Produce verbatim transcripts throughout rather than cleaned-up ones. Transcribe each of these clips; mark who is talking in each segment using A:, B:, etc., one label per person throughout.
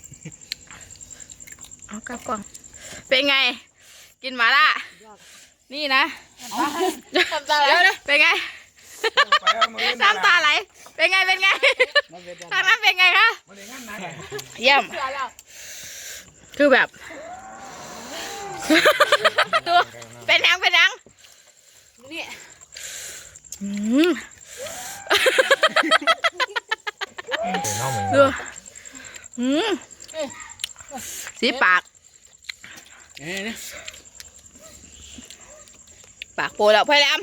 A: เอากลับกล่องเป็นไงกินหมาล่านี่นะเดี๋ยวนะเป็นไงน้ำตาไหลเป็นไงเป็นไงทางนั้นเป็นไงคะเยี่ยมคือแบบตัวเป็นยังเป็นยังนี่ดูอืมสีปากปากโปแล้วพยายาม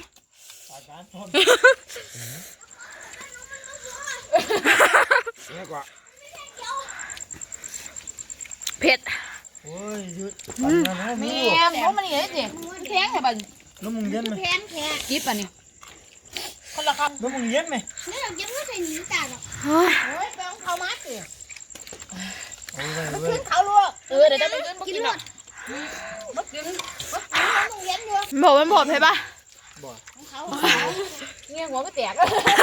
A: เผ็ด
B: โอ้ยยุด
C: แม่เพราะมันนี่เลยสิแข็งไงบ้าง
B: น้ำมึงเย็นไหม
C: แข็งแข็งกิ๊บอ่ะนี่คนละคำ
B: น้ำมึงเย็นไหม
C: นี่เราเย็นไม่ใส่หนีจ่าหรอกโอ้ยไปเอาเขามาสิมันขึ้นเขาลวกเออเดี๋ยวจะไปกินกินหมดมันกินมันต้องเย็นอยู่
A: หมดมันหมดใช่ปะ
C: เขาเงี้ยหัวไม่แตก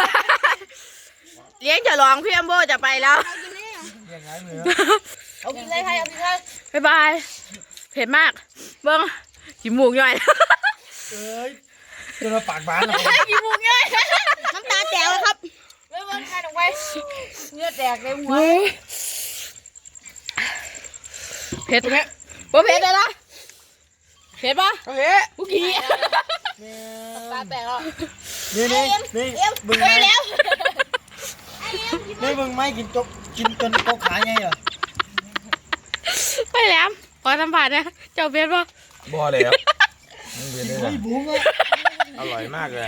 A: เลี้ยงจะลองพี่อัมโบจะไปแล้ว
B: ยังไงเหมือน
C: เอากินเลยใครเอากินเลย
A: บ๊ายบายเผ็ดมากเบิ้งกินหมูกย่อย
B: เอ้ยจนเราปากบานเลย
A: กินหมูกย่อย
C: น้ำตาแตกแล้วครับเบิ้งใครลงไปเนื้อแตกเลยหัว
A: เผ็ดไหมบ่เผ็ดเลยนะเผ็ดปะ
B: โอเค
A: ผู้กี้
C: ตาแตกแล้ว
B: นี่นี่นี่บึงไม้นี่บึงไม้กินจกกินจนโต๊ะขาไงเหรอ
A: ไปแล้วขอสัมผัสนะเจ้าเผ็ดปะ
D: บ่เลยครับมันเผ็ดเลยนะ
B: บุ้งอ่ะ
D: อร่อยมากเลย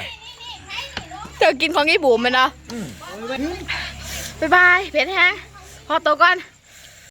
A: เจ้ากินของยี่บุ๋มมันเนาะบ๊ายบายเผ็ดแฮงพอตัวก่อน